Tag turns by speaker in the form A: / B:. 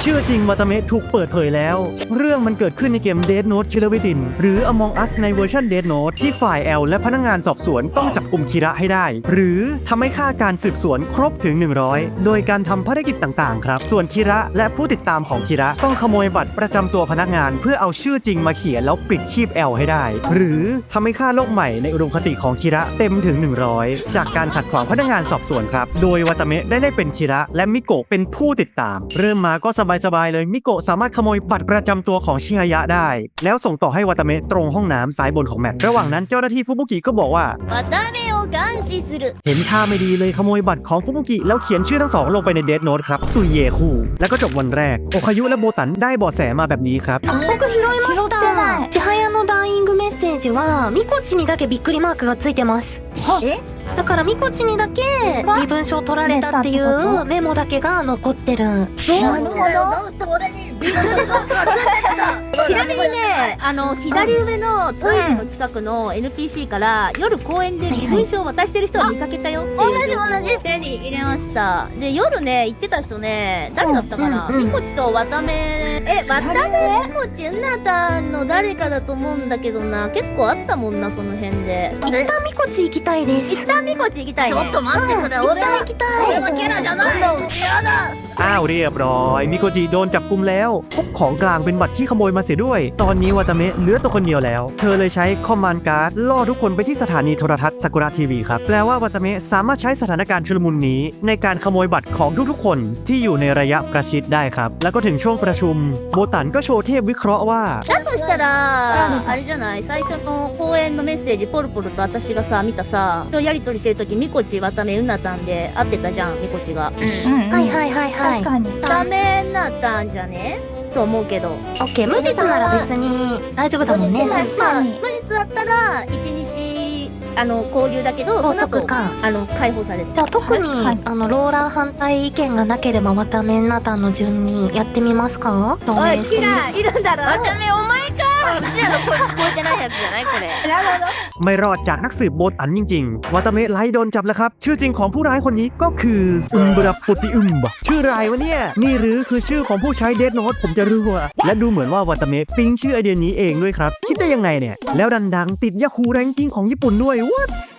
A: ชื่อจริงวาตาเมะถูกเปิดเผยแล้วเรื่องมันเกิดขึ้นในเกม Death Note Killer Within หรือ Among Us ในเวอร์ชัน Death Note ที่ฝ่ายแอลและพนักงานสอบสวนต้องจับกุมคิระให้ได้หรือทำให้ค่าการสืบสวนครบถึง100โดยการทำภารกิจต่างๆครับส่วนคิระและผู้ติดตามของคิระต้องขโมยบัตรประจำตัวพนักงานเพื่อเอาชื่อจริงมาเขียนแล้วปิดชีพแอลให้ได้หรือทำให้ค่าโลกใหม่ในอุดมคติของคิระเต็มถึง100จากการขัดขวางพนักงานสอบสวนครับโดยวาตาเมะได้เป็นคิระและมิโกะเป็นผู้ติดตามเริ่มมาก็สบายๆเลยมิโกะสามารถขโมยบัตรประจำตัวของชิฮายะได้แล้วส่งต่อให้วาตาเมะตรงห้องน้ำซ้ายบนของแมประหว่างนั้นเจ้าหน้าที่ฟุบุกิก็บอกว่า
B: 渡辺を監視する
A: เห็นท่าไม่ดีเลยขโมยบัตรของฟุบุกิแล้วเขียนชื่อทั้งสองลงไปในเดธโน้ตครับตุยเยคู่แล้วก็จบวันแรกโอคายุและโบตันได้เบาะแสมาแบบนี้ครับ
C: 僕拾いました千早のダイイングメッセージはミコチにだけびっくりマークがついてますだからミコチにだけ身分証取られたっていうメモだけが残ってる
B: どうして俺にビルドがちなみにね左上のトイレの近くの NPC から夜公園で身分証を渡してる人を見かけたよっていう同じ手に入れましたで夜ね行ってた人ね誰だったかなみこちと渡辺渡辺みこちうなたんの誰かだと思うんだけどな結構あったもんなその辺で
C: 一旦ミコチ行きたいです
B: 一旦みこち行きたいねちょっと待ってくれ俺
C: 行きたい
B: はキャラじゃないやだ
A: อ้าวเรียบร้อยมิโกจิโดนจับกุมแล้วพบของกลางเป็นบัตรที่ขโมยมาเสียด้วยตอนนี้วาตาเมะเหลือตัวคนเดียวแล้วเธอเลยใช้คอมมานด์การ์ดล่อทุกคนไปที่สถานีโทรทัศน์ซากุระทีวีครับแปลว่าวาตาเมะสามารถใช้สถานการณ์ชุลมุนนี้ในการขโมยบัตรของทุกๆคนที่อยู่ในระยะประชิดได้ครับแล้วก็ถึงช่วงประชุมโบตันก็โชว์เทพวิเคราะห์ว่า
B: だとしたらあれじゃない最初の公演のメッセージポルポルと私がさ見たさやりとりしてる時みこち渡辺うなたんで会ってたじゃんみこちが
C: はいはいはいはい
D: 確かに
B: ダメなったんじゃねと思うけど
C: オッケー無実なら別に大丈夫だもんね
D: 確かに
B: 無実だったら1日交留だけど
C: 拘束か
B: その後解放される
C: じゃあ特に
D: 確かに
C: ローラー反対意見がなければ渡辺なたんの順にやってみますか
B: おいキラいるんだろ渡辺お前かうちらの声聞こえてないやつじゃないこれなるほど
A: ไม่รอดจากนักสืบโบตันจริงๆวาตาเมะไลโดนจับแล้วครับชื่อจริงของผู้ร้ายคนนี้ก็คืออุมบราปุติอุมบะชื่ออะไรวะเนี่ยนี่หรือคือชื่อของผู้ใช้เดธโน้ตผมจะรู้ว่าและดูเหมือนว่าวาตาเมะปิ๊งชื่อไอเดียนี้เองด้วยครับคิดได้ยังไงเนี่ยแล้วดังๆติดยาคูแรงกิ้งของญี่ปุ่นด้วย what